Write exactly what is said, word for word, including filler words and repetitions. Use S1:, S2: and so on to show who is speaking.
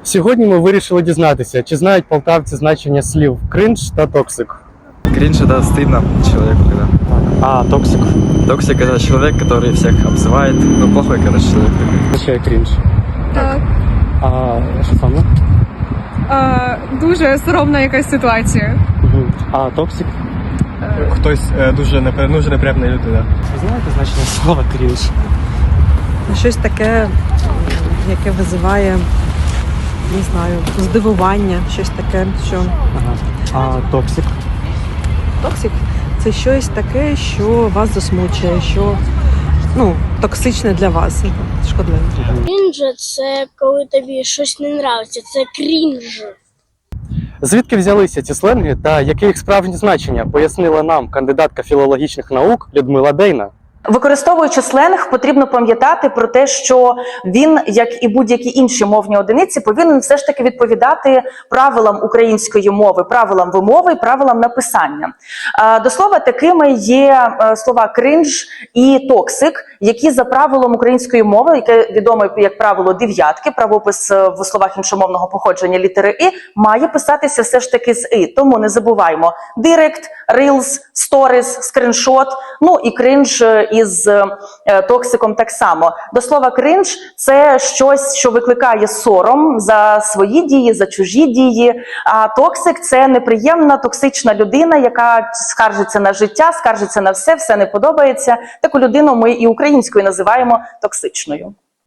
S1: Сьогодні ми вирішили дізнатися, чи знають полтавці значення слів кринж та токсик.
S2: Кринж — это стыдно человеку, когда.
S1: А токсик?
S2: Токсик — это человек, который всех обзывает. Ну, плохой, короче, человек такой.
S1: Означає крінж.
S3: Так.
S1: А що саме?
S3: А, дуже соромна якась ситуація.
S1: Угу. А токсик?
S4: Хтось е, дуже непри... дуже неприємна людина.
S1: Ви знаєте значення слова крінж?
S5: Щось таке, яке визиває, не знаю, здивування, щось таке, що
S1: Ага. А токсик?
S5: токсик – це щось таке, що вас засмучує, що ну, токсичне для вас, шкодливе.
S6: Крінж – це коли тобі щось не нравиться, це крінж.
S1: Звідки взялися ці сленги та яке їх справжнє значення, пояснила нам кандидатка філологічних наук Людмила Дейна.
S7: Використовуючи сленг, потрібно пам'ятати про те, що він, як і будь-які інші мовні одиниці, повинен все ж таки відповідати правилам української мови, правилам вимови, правилам написання. До слова, такими є слова кринж і токсик, які за правилом української мови, яке відомо як правило дев'ятки, правопис в словах іншомовного походження літери «и», має писатися все ж таки з «и». Тому не забуваймо директ, рилз, сторіс, скріншот, ну і кринж із е, токсиком так само. До слова, кринж – це щось, що викликає сором за свої дії, за чужі дії. А токсик – це неприємна, токсична людина, яка скаржиться на життя, скаржиться на все, все не подобається. Таку людину ми і українською називаємо токсичною.